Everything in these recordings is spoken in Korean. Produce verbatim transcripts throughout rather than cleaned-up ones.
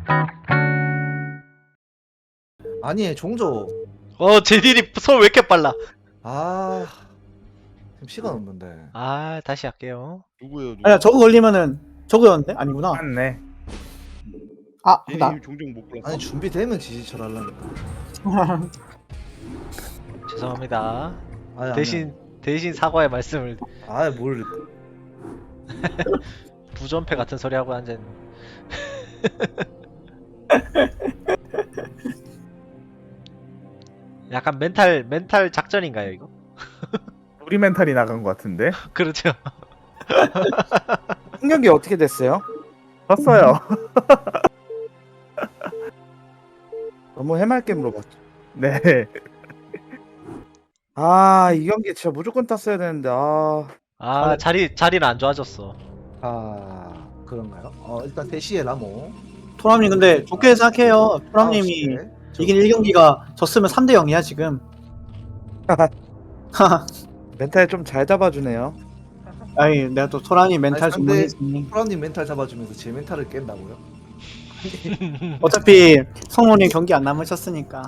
아니 종조. 어 제딜이 손 왜 이렇게 빨라? 아 지금 시간 없는데. 아 다시 할게요. 누구예요? 누구? 아니야 저거 걸리면은 저거였는데? 아니구나. 맞네. 아 얘네 나. 이미 종종 못 골랐어. 아니 준비되면 지지철 하려니까. 죄송합니다. 아니, 대신 대신 사과의 말씀을 아니 뭘. 부전패 같은 소리 하고 앉은. 약간 멘탈 멘탈 작전인가요 이거? 우리 멘탈이 나간 것 같은데. 그렇죠. 풍경기 어떻게 됐어요? 졌어요. 너무 해맑게 물어봤죠. 네. 아, 이 경기 진짜 무조건 땄어야 되는데. 아, 아 자리 자리는 안 좋아졌어. 아 그런가요? 어 일단 대시에 라모. 토람님 근데 좋게 생각해요. 토람님이 아홉 시에 이긴 일 경기가 졌으면 삼 대 영이야 지금. 멘탈 좀 잘 잡아주네요. 아니 내가 또 토람님 멘탈 아니, 상대- 전문이지. 프로님 멘탈 잡아주면서 제 멘탈을 깬다고요? 어차피 성모님 경기 안 남으셨으니까.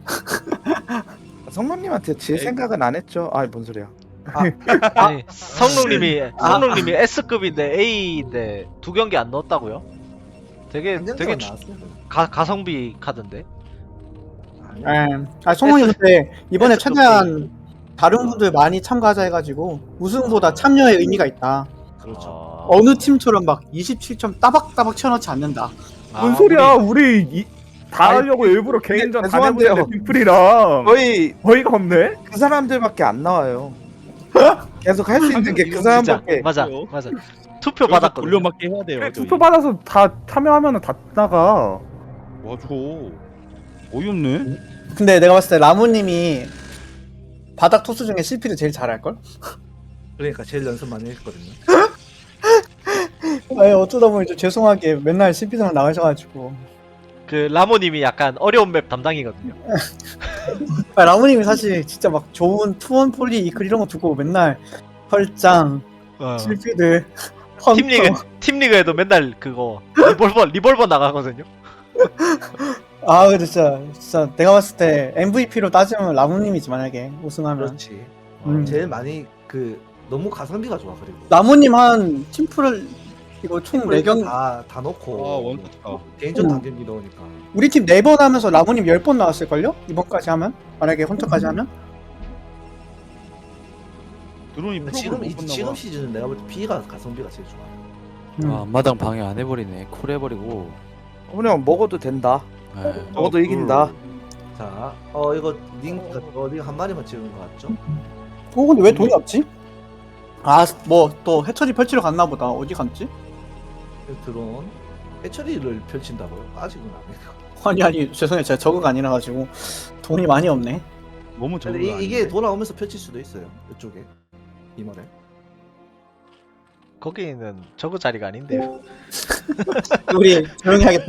성모님한테 질 생각은 안 했죠. 아, 뭔 소리야. 아니 성룡님이 성룡님이 S급인데 A인데 두 경기 안 넣었다고요? 되게 한 되게 경기만 주- 나왔어요. 가, 가성비 카드인데. 아니요. 예. 아 성모님 근데 이번에 S급 최대한 다른 분들 많이 참가하자 해가지고 우승보다 참여의 의미가 있다. 그렇죠. 어... 어느 팀처럼 막 이십칠 점 따박따박 채워넣지 않는다. 아, 뭔 소리야? 우리- 우리 이, 다 아니, 하려고 일부러 근데 개인전 다 죄송한데요. 내보는데 팀플이랑 거의 어이가 없네. 그 사람들밖에 안 나와요. 계속 할 수 있는 게 그 진짜 사람밖에. 맞아 그래요? 맞아. 투표 받았거든. 돌려막기 해야 돼요. 그래, 저희. 투표 받아서 다 참여하면은 다 나가. 맞아. 어이없네. 근데 내가 봤을 때 라무님이 바닥 토스 중에 씨피를 제일 잘할걸? 그러니까 제일 연습 많이 했거든요. 아니 어쩌다 보니 좀 죄송하게 맨날 씨피들만 나가셔가지고 그 라모님이 약간 어려운 맵 담당이거든요. 아, 라무님이 사실 진짜 막 좋은 투원 폴리 이클 이런 거 두고 맨날 헐짱 어. 씨피들 펀터 팀리그 팀리그에도 맨날 그거 리볼버 리볼버 나가거든요. 아 근데 진짜 진짜 내가 봤을 때 엠브이피로 따지면 라무님이지 만약에 우승하면 그렇지. 음. 제일 많이 그 너무 가성비가 좋아 그리고. 라무님 한 팀플을 이거 총 네 경 다다 넣고. 아 원투다. 개인전 음. 단경기 넣으니까. 우리 팀 네 번 하면서 라무님 열 번 나왔을걸요? 이번까지 하면? 만약에 헌터까지 하면? 드론이 근데 프로그램 지금 못 이, 봤나 지금 봐. 시즌은 내가 볼 때 B가 가성비가 제일 좋아. 음. 아, 앞마당 방해 안 해버리네. 쿨 해버리고. 그냥 먹어도 된다. 네. 먹어도 어, 이긴다. 자, 어 이거 링 어, 링한 마리만 찍은 거 같죠? 어 근데 왜 돈이 없지? 아 뭐 또 해처리 펼치러 갔나 보다. 어디 갔지? 드론 해처리를 펼친다고요? 아직은 안 해요. 아니 아니 죄송해요 제가 저거가 아니라 가지고 돈이 많이 없네. 너무 적은 근데 거 이, 이게 아닌데? 돌아오면서 펼칠 수도 있어요. 이쪽에 이번에. 거기는 저거 자리가 아닌데요. 우리 조용히 하겠다.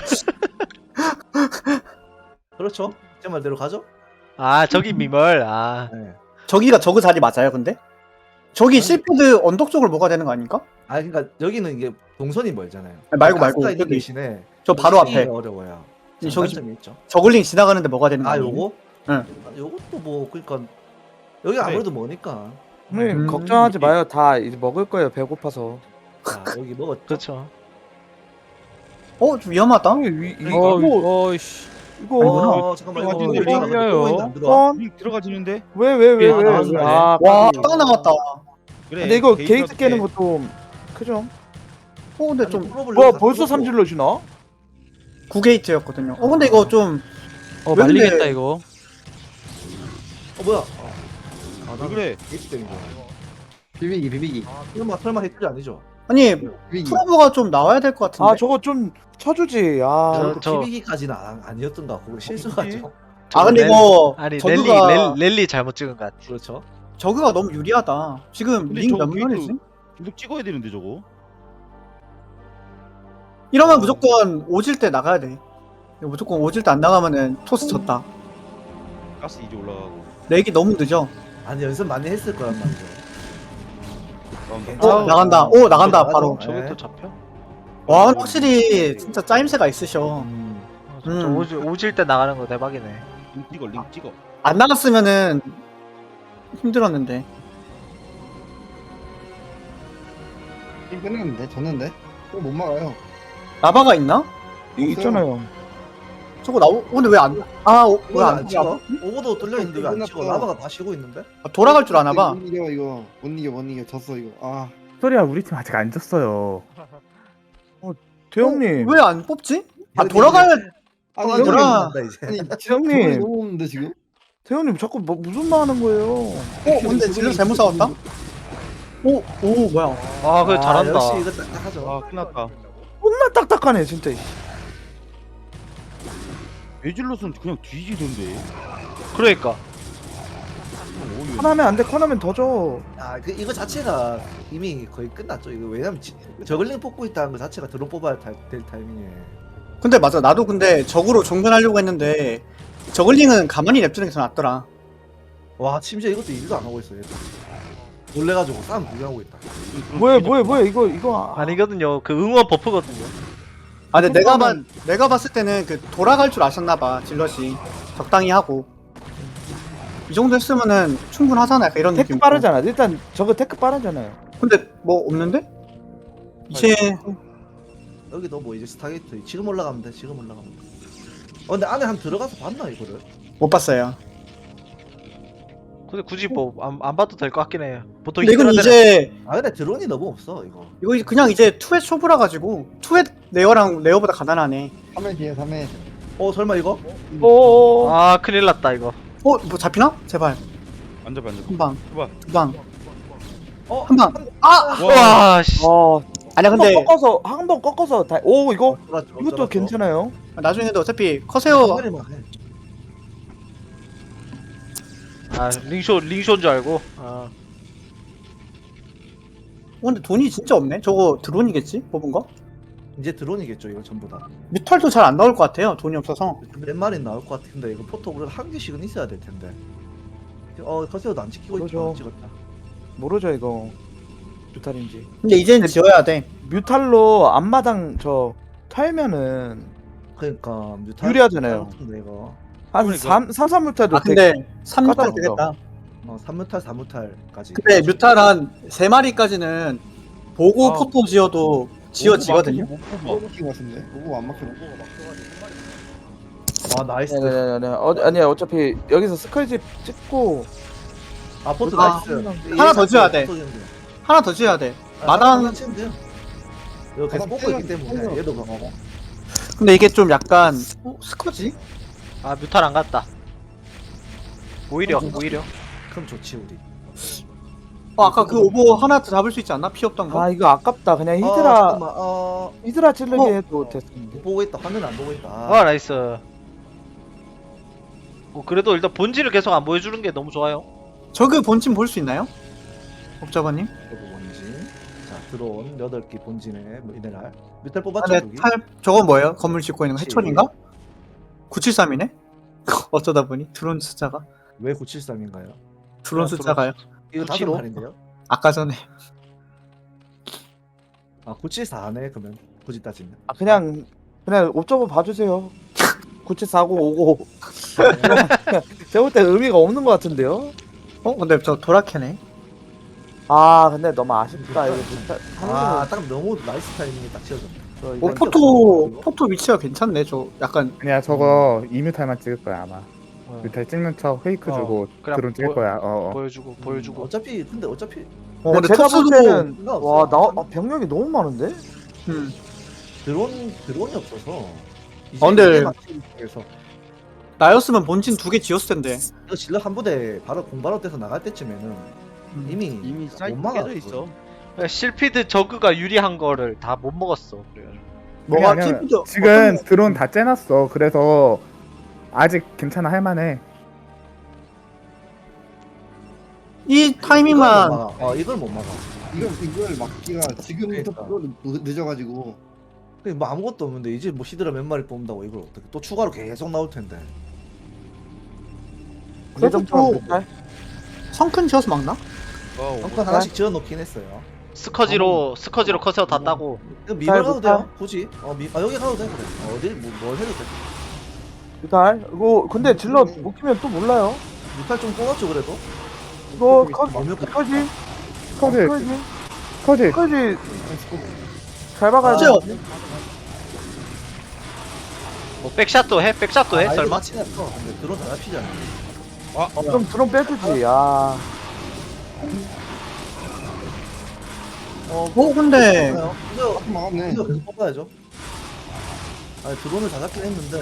그렇죠? 제 말대로 가죠? 아 저기 미멀. 아 네. 저기가 저그 자리 맞아요 근데? 저기 실피드 언덕 쪽으로 뭐가 되는 거 아닌가? 아 그러니까 여기는 이게 동선이 멀잖아요. 아니, 말고, 말고. 가스가 있는 여기. 대신에 저 바로 시기가 앞에 어려워요. 이 저기 장단점이 있죠. 저글링 지나가는데 뭐가 되는 거 아 아니에요? 요거? 응. 아, 요것도 뭐 그러니까 여기 아무래도 머니까. 형님 음. 걱정하지 마요. 다 이제 먹을 거예요. 배고파서. 자 여기 먹었죠. 그렇죠. 어? 좀 위험하다? 위, 이, 어, 이거 어이씨. 이거 어, 잠깐만 이거 어디로 이거 올라가요? 들어가 안 들어가? 번? 링 들어가지는데? 왜 왜 왜 아, 왜? 나왔네. 아, 와 깜짝이야. 딱 나왔다. 그래. 근데 이거 게이트라도 게이트 깨는 깨. 것도 크죠? 어 근데 아니, 좀 프로블 뭐야 다 벌써 풀었고. 삼질러시나? 구 게이트였거든요. 어 근데 이거 좀 어, 왜 근데- 말리겠다, 이거. 어 뭐야? 아, 왜 그래? 게이트 때린 거야. 비비기 비비기 설마 설마 해줄이 아니죠? 아니 비비기 프로브가 좀 나와야 될 것 같은데. 아 저거 좀 쳐주지. 아 저- 저, 저- 비비기까지는 안, 아니었던가. 그거 실수가죠. 아 근데 렐- 이거 아니 저그가 랠리 랠, 랠리 잘못 찍은 것 같아. 그렇죠. 저그가 너무 유리하다. 지금 근데 링 저거 몇 게이트- 마리지? 계속 찍어야 되는데 저거. 이러면 어. 무조건 오질 때 나가야 돼. 이거 무조건 오질 때 안 나가면은 토스 졌다. 가스 이제 올라가고. 렉이 너무 늦어. 아니 연습 많이 했을 거란 말이죠. 나온다. 어 아우. 나간다. 오 나간다 바로. 네. 저게 또 잡혀? 와 근데 확실히 진짜 짜임새가 있으셔. 음. 진짜 음. 오질, 오질 때 나가는 거 대박이네. 링 찍어 링 찍어. 안 나갔으면은 힘들었는데. 게임 끝났는데 졌는데 그거 못 막아요. 라바가 있나? 이 있잖아요. 저거 나오 근데 왜 안? 아 왜안 왜안 찍어? 오버도 뚫려 있는데 왜 안 찍어? 끝났어. 라바가 다 쉬고 있는데? 돌아갈 줄 아나 봐. 못 이겨 이거 못 이겨 못 이겨 졌어 이거. 아 소리야 우리 팀 아직 안 졌어요. 태형님. 왜 안 뽑지? 아 이거 돌아가야 아니 아, 이거 돌아- 난다 이제. 아니 태형님. 저번에 너무 없는데 지금. 태형님 자꾸 뭐 무슨 말 하는 거예요? 어 근데 질러 잘못 싸웠다? 오 오 뭐야? 아 그래 아, 잘한다. 역시 이거 딱딱하죠. 아 끝났다. 존나 딱딱하네 진짜. 에질롯은 그냥 뒤지던데. 그러니까. 어, 커나면 안돼 커나면 더 줘. 아, 그 이거 자체가 이미 거의 끝났죠. 이거 왜냐면 지, 저글링 뽑고 있다는 거 자체가 드론 뽑아야 타, 될 타이밍에. 근데 맞아 나도 근데 적으로 종전하려고 했는데 저글링은 가만히 냅두는 게 더 낫더라. 와, 심지어 이것도 일도 안 하고 있어. 얘들. 놀래가지고 싸움 구경하고 있다. 뭐야 뭐야 뭐야 이거 이거 아, 아니거든요. 그 응원 버프거든요. 아 근데 내가 봤 내가 봤을 때는 그 돌아갈 줄 아셨나 봐 질럿이 적당히 하고 이 정도 했으면은 충분하잖아 약간 이런 테크 느낌. 빠르잖아. 일단 저거 테크 빠르잖아요. 근데 뭐 없는데? 이제 여기도 뭐 이제 스타게이트 지금 올라가면 돼. 지금 올라가면 돼. 어, 근데 안에 한 들어가서 봤나 이거를? 못 봤어요. 근데 굳이 뭐 안 안 봐도 될 것 같긴 해요. 보통 근데 이건 히드라들은- 이제 아, 근데 드론이 너무 없어 이거. 이거 이제 그냥 이제 투엣 쇼브라 가지고 투엣 레어랑 레어보다 가난하네. 삼 회 뒤에 삼 회. 어, 설마 이거? 오. 아 큰일 났다 이거. 어 뭐 잡히나? 제발 안 잡아 안 잡아. 한 방, 해봐. 두 방, 어, 한 방. 아 와 씨. 어. 아니야 한번 근데 꺾어서 한 번 꺾어서 다. 오 이거 돌았죠, 이것도 돌았죠. 괜찮아요. 나중에도 어차피 한 커세어 마리만 해. 아 링쇼 링쇼인 줄 알고. 아 어, 근데 돈이 진짜 없네. 저거 드론이겠지? 뽑은 거? 이제 드론이겠죠 이거 전부 다. 뮤탈도 잘 안 나올 것 같아요. 돈이 없어서. 몇 마리 나올 것 같은데 이거 포토 우리가 한 개씩은 있어야 될 텐데. 어, 커세어도 안 지키고 있다. 그러죠. 안 찍었다. 모르죠 이거. 뮤탈인지. 근데 이제는 지어야 돼. 뮤탈로 앞마당 저 털면은 그러니까 뮤탈 유리하잖아요. 같은데 이거. 한 그러니까. 삼, 삼, 삼 뮤탈도 아 근데 삼 뮤탈 까다롭죠. 되겠다. 어, 삼 뮤탈, 사 뮤탈까지. 근데 뮤탈 한 세 마리까지는 보고 아. 포토 지어도 지어지거든요. 못 뽑아. 너무 키고 같은데. 오고 안 막혀. 아, 나이스. 네네네. 어, 아니야 어차피 여기서 스컬집 찍고 아, 포트 아, 나이스. 하나 더 지어야 돼. 포토 지는데. 하나 더 지어야 돼. 아, 마당- 하나 치면 돼요. 이거 계속 마당 뽑고 있기 빼면 때문에 빼면 얘도 강하고. 근데 이게 좀 약간 어, 스커지? 아 뮤탈 안 갔다. 오히려 오히려. 그럼 좋지 우리. 어 아까 그 오버 하나 더 잡을 수 있지 않나? 피 없던 거? 아 이거 아깝다. 그냥 아, 히드라 잠깐만. 어, 히드라 찌르게 어. 해도 됐는데. 못 보고 있다. 화면 안 보고 있다. 아 나이스. 어, 그래도 일단 본질을 계속 안 보여주는 게 너무 좋아요. 저그 본침 볼 수 있나요? 옵저버님? 저거 본진. 자, 드론 여덟 개 본진에 뭐 미네랄. 뮤탈 뽑았죠, 안에 여기? 탈 저건 뭐예요? 건물 짓고 있는 거 그치. 해촌인가? 구칠삼이네? 어쩌다 보니 드론 숫자가 왜 구칠삼인가요? 드론 아, 숫자가요? 이거 다섯 구칠오? 마리인데요? 아까 전에 아, 구칠사네 그러면 굳이 따지면. 아 그냥 그냥 옵저버 봐주세요. 구칠사구 오고. 제가 볼 때 의미가 없는 것 같은데요. 어? 근데 저 도라케네 아 근데 너무 아쉽다 이거 진짜. 아, 딱 너무 나이스 타이밍이 딱 지어졌네. 저 어 이거 포토 포토 위치가 괜찮네 저 약간 아니야 저거 이 뮤탈만 찍을 거야 아마. 어, 뮤탈 찍는 척 페이크 어, 주고 그냥 드론 찍을 보- 거야. 어. 어. 보여주고 보여주고. 어차피 근데 어차피 어 근데 제가 볼 토스도 때는 상관없어. 와나 아, 병력이 너무 많은데? 음. 드론 드론이 없어서. 아, 근데- 그래서 나였으면 본진 두 개 지었을 텐데 이거 질럿 한 부대 바로 공바로 떼서 나갈 때쯤에는 음. 이미 이미 못 사이트 막아. 깨져 있어. 그러니까 실피드 저그가 유리한 거를 다 못 먹었어. 그래가지고. 뭐가 아니야, 아니야. 팀도 지금 어떤- 드론 다 째놨어. 그래서 아직 괜찮아 할만해. 이 이걸 타이밍만 못 막아. 어, 이걸 못 막아. 이거 이걸 막기가 지금부터 그러니까. 또 늦- 늦어가지고. 그게 뭐 아무것도 없는데 이제 뭐 히드라 몇 마리 뽑는다고 이걸 어떻게 또 추가로 계속 나올 텐데. 그래도 예전처럼 또- 뮤탈? 성큰 지어서 막나? 어, 벙커 하나씩 지어 놓긴 했어요. 스커지로 스커지로 커세어 다 따고. 이거 미발 잘 가도 못하- 돼요 굳이 어 미.. 아 여기 가도 돼 그래 어, 어디 뭐, 뭘 해도 돼 뮤탈. 이거 근데 질러 못 키면 또 몰라요. 뮤탈 좀 뽑았죠 그래도 이거 커지 완벽해. 커지 커지 커지 커지 커지 잘 박아야 돼. 커세요. 뭐 백샷도 해? 백샷도 해? 아, 설마? 치어 근데 드론 다 잡히잖아 좀 드론 빼주지. 아 어 어 근데 이거 막았네. 이거 계속 뽑아야죠 아니 드론을 다 잡긴 했는데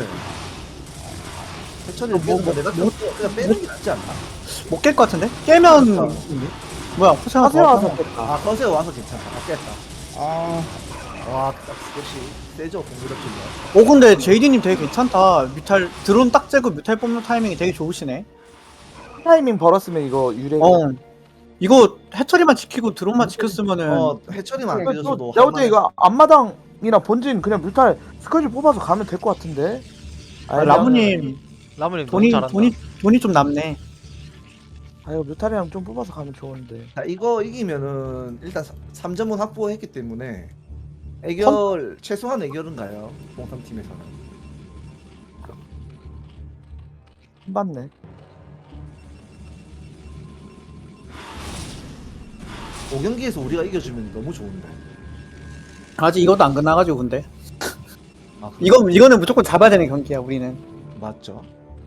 해처리 뭐, 뭐, 뭐, 내가 뭐, 그냥 빼는 게 낫지 않나? 못 깰 것 같은데? 깨면 뭐야 포세가 하세요 더 와서 왔어. 깼다. 아 커세어 와서 괜찮다 아 깼다 아, 와 역시 세죠 공격력이 오 근데 제이디님 되게 괜찮다. 뮤탈 드론 딱 재고 뮤탈 뽑는 타이밍이 되게 좋으시네. 타이밍 벌었으면 이거 유래. 어 이거 해처리만 지키고 드론만 지켰으면은 어 해처리만 안 깨져서도 내가 볼때 할만해. 이거 앞마당이나 본진 그냥 뮤탈 스커지 뽑아서 가면 될 것 같은데. 아, 라무님 라무님 돈이 너무 잘한다. 돈이 돈이 좀 남네. 아유 뮤탈이랑 좀 뽑아서 가면 좋은데. 자 이거 이기면은 일단 삼 점은 확보했기 때문에 애결 최소한 애결은 가요 공삼팀에서는 맞네. 오 경기에서 우리가 이겨주면 너무 좋은데 아직 이것도 안 끝나가지고 근데 아, 그래? 이거 이거는 무조건 잡아야 되는 경기야 우리는. 맞죠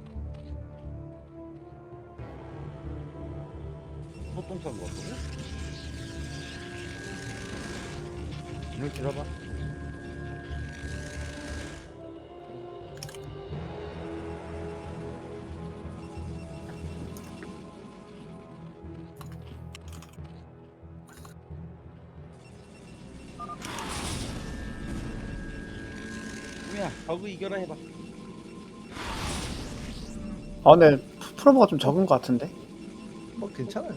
소똥 탄거 같다고? 이렇게 들어봐. 야, 버그 이겨라 해봐. 아 근데 프로모가 좀 적은 것 같은데. 뭐 괜찮아요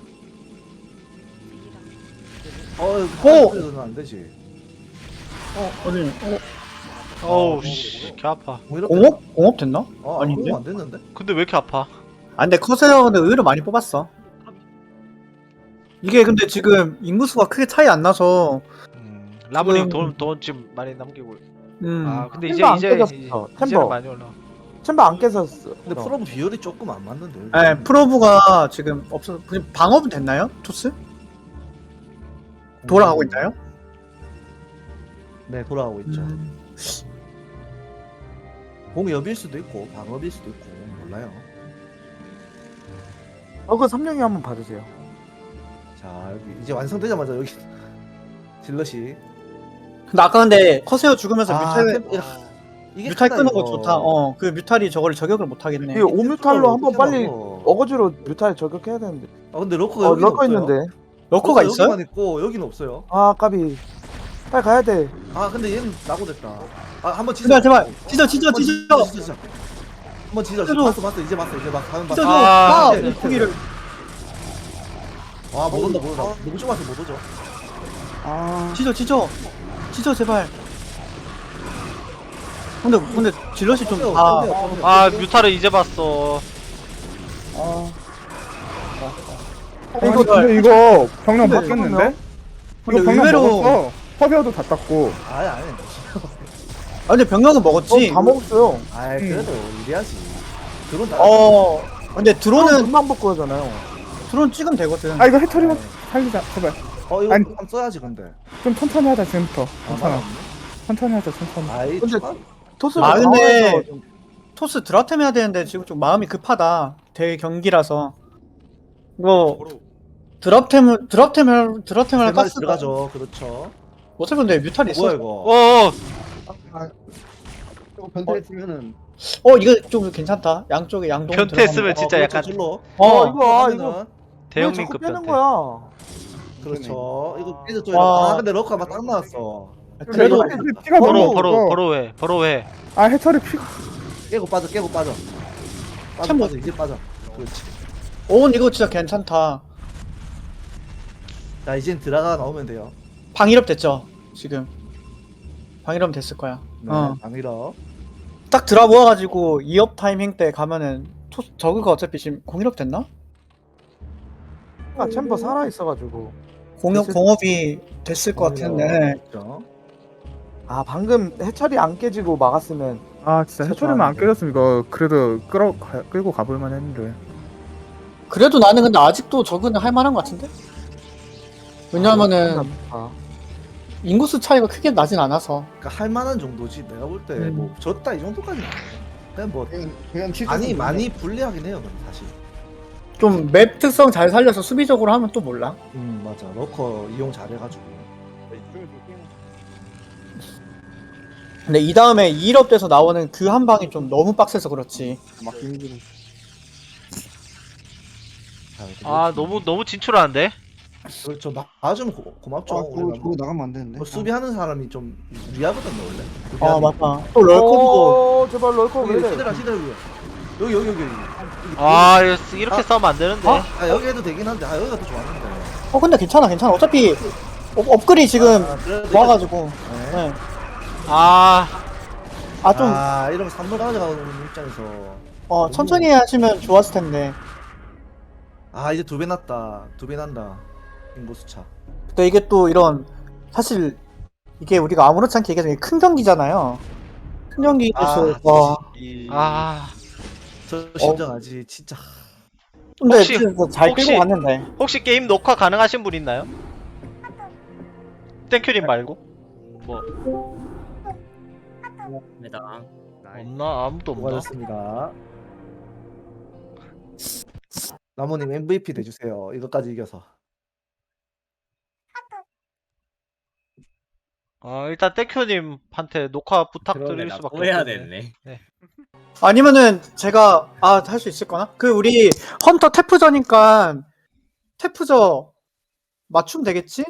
어 오! 그래도는 안 되지 어디 어, 어우 씨, 개 아파. 뭐 이렇게 공업 공업 됐나? 어 아닌데? 아닌데 안 됐는데 근데 왜 이렇게 아파? 아 근데 커세어 근데 의외로 많이 뽑았어. 이게 근데 지금 인구수가 크게 차이 안 나서 음, 라무님 지금- 돈 돈 지금 많이 남기고. 음 아 근데 템버 이제 안 이제 깨졌어, 이제- 템버. 이제는 많이 올라. 챔버 안 깨졌어. 근데 프로브 비율이 조금 안 맞는데 네, 프로브가 지금 없어. 그냥 방업은 됐나요? 토스? 돌아가고 있나요? 네 돌아가고 있죠 음. 공업일 수도 있고 방업일 수도 있고 몰라요 어그 삼룡이 한번 봐주세요. 자 여기 이제 완성되자마자 여기 질럿이 근데 아까 근데 커세어 죽으면서 아, 뮤탈 템- 이게 뮤탈 크다, 끄는 거 이거. 좋다. 어, 그 뮤탈이 저걸 저격을 못 하겠네. 이 오뮤탈로 한번 빨리 어 어거지로 뮤탈 저격해야 되는데. 아 근데 러커가 어 여기 럭커 있는데. 러커가 있어요? 여기만 있고 여기는 없어요 아 까비. 빨리 가야 돼. 아 근데 얘는 낙오됐다 아 한번 제발 지져 제발 찢어 찢어 한번 찢어 찢어 한번 찢어 찢어줘. 봤어 봤어 이제 봤어 이제 봤어 가면 찢어 봤어 줘. 아, 아, 이제 이 고기를. 아못 온다 못 온다 너무 좁아서 못 오죠 아, 찢어 찢어 찢어 제발. 근데 근데 질럿이 좀 아, 아 뮤타를 이제 봤어. 아, 이거 근데 이거 병력 근데 바뀌었는데? 근데 이거 병력 의외로 먹었어. 커세어도 다 땄고. 아니 아니 아 근데 병력은 먹었지. 어, 다 먹었어요. 아이 그래도 이래야지 드론 다 어. 근데 드론은 드론은 금방 먹고 하잖아요. 드론 찍으면 되거든. 아 이거 해처리만 살리자 제발. 어 이거 아니. 한번 써야지 근데 좀 천천히 하자 지금부터. 아 괜찮아. 맞네 천천히 하자 천천히. 아이 근데 추가- 토스가 아, 근데- 강화해서 좀- 토스 드라템 해야 되는데 지금 좀 마음이 급하다. 대회 경기라서. 이거 드랍템을 드랍템을 드랍템을 세 할까? 마리 들어가죠 그렇죠 어차피 근데 뮤탈이 있어. 뭐야 이거 어어 아, 이거 변태했으면은 어 이거 좀 괜찮다. 양쪽에 양동. 변태했으면 진짜 어, 약간 그렇죠, 질러 어 어. 이거 아 하면은 이거 왜 대형민급 자꾸 빼는 변태. 거야? 그렇죠 이거 깨져 좀 와. 아 근데 러커가 막 딱 나왔어 그래도 이거 해처리 피가 버로 너무 버로 없어. 버로해 버로해. 아 해처리 피가. 깨고 빠져 깨고 빠져 빠져 참 뭐- 빠져 이제 빠져 그렇지 오 이거 진짜 괜찮다. 자 이젠 들어가 나오면 돼요 방일업 됐죠 지금. 방일업 됐을 거야. 네 어. 방위러 딱 드라 모아가지고 이 업 타이밍 때 가면은 토, 저그가 어차피 지금 공일업 됐나? 아, 챔버 살아 있어가지고. 공업 됐을- 공업이 됐을 것 같은데. 그렇죠. 아 방금 해철이 안 깨지고 막았으면 아 진짜 해초리만 안 죄송한데. 깨졌으면 이거 그래도 끌어 가, 끌고 가볼만 했는데. 그래도 나는 근데 아직도 적은 할 만한 것 같은데. 왜냐면은 아, 인구수 차이가 크게 나진 않아서. 그러니까 할 만한 정도지. 내가 볼 때 음. 뭐 졌다 이 정도까지는 아니야. 그냥 뭐 그냥 그냥 칠 많이 많이 불리하긴 해요. 근데 사실. 좀 맵 특성 잘 살려서 수비적으로 하면 또 몰라. 음 맞아. 러커 이용 잘해가지고. 근데 이 다음에 이 업 돼서 나오는 그 한 방이 좀 너무 빡세서 그렇지. 막기 힘들어. 아 너무 너무 진출하는데. 그렇죠. 나 나좀 고맙죠. 아, 그거, 우리가 그거 나가면 안 되는데. 뭐 수비하는 사람이 좀 유리하거든요 원래. 아 수비하는 맞다. 또 럴커도 어 제발 럴커 왜 여기 이래? 시들아 시들아 여기 여기 여기 여기. 아 이거 이렇게 아. 싸우면 안 되는데. 아. 아 여기 해도 되긴 한데 아 여기가 더 좋았는데. 어 근데 괜찮아 괜찮아. 어차피 업, 업글이 지금 아, 그래도 좋아가지고. 네. 네. 아 아 좀 아 이러면 산물 가져가는 입장에서 어, 천천히 하시면 좋았을 텐데. 아 이제 두 배 났다 두 배 난다 인구수 차. 근데 이게 또 이런 사실 이게 우리가 아무렇지 않게 얘기하자면 큰 경기잖아요. 큰 경기에서 아, 와. 아. 저 심정하지 진짜. 근데 혹시- 그래서 잘 혹시- 끌고 갔는데. 혹시 게임 녹화 가능하신 분 있나요? 땡큐님 말고? 뭐 없나? 아무도 없나? 수고하셨습니다. 나무님 엠브이피 돼주세요. 이것까지 이겨서. 아 일단 땡큐님한테 녹화 부탁드릴 수밖에 없겠네. 아니면은 제가 아 할 수 있을 거나? 그 우리 헌터 태프저니까 태프저 맞춤 되겠지?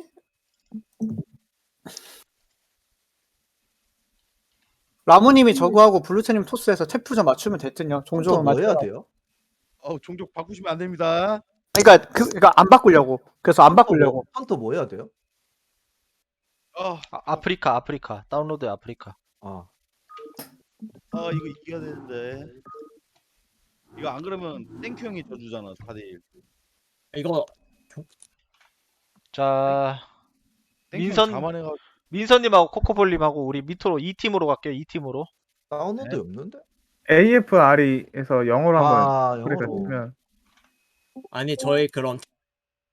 라무님이 저거하고 블루체님 토스해서 태프저 맞추면 됐든요. 또 종종은 뭐 맞춰. 해야 돼요? 어 종족 바꾸시면 안 됩니다. 그러니까 그 그러니까 안 바꾸려고. 그래서 안 바꾸려고. 헌터 뭐 해야 돼요? 어, 아, 아프리카 아프리카 다운로드 아프리카. 아 어 이거 이겨야 되는데. 이거 안 그러면 땡큐 형이 져주잖아 사 대 일. 자 땡큐 민선- 형 자만해가. 민서님하고 코코볼님하고 우리 밑으로 이 팀으로 갈게요. 이 팀으로. 다운로드 네. 없는데? 에이에프알이에서 영어로 한번 아 그래서 영어로. 치면 아니 저희 그런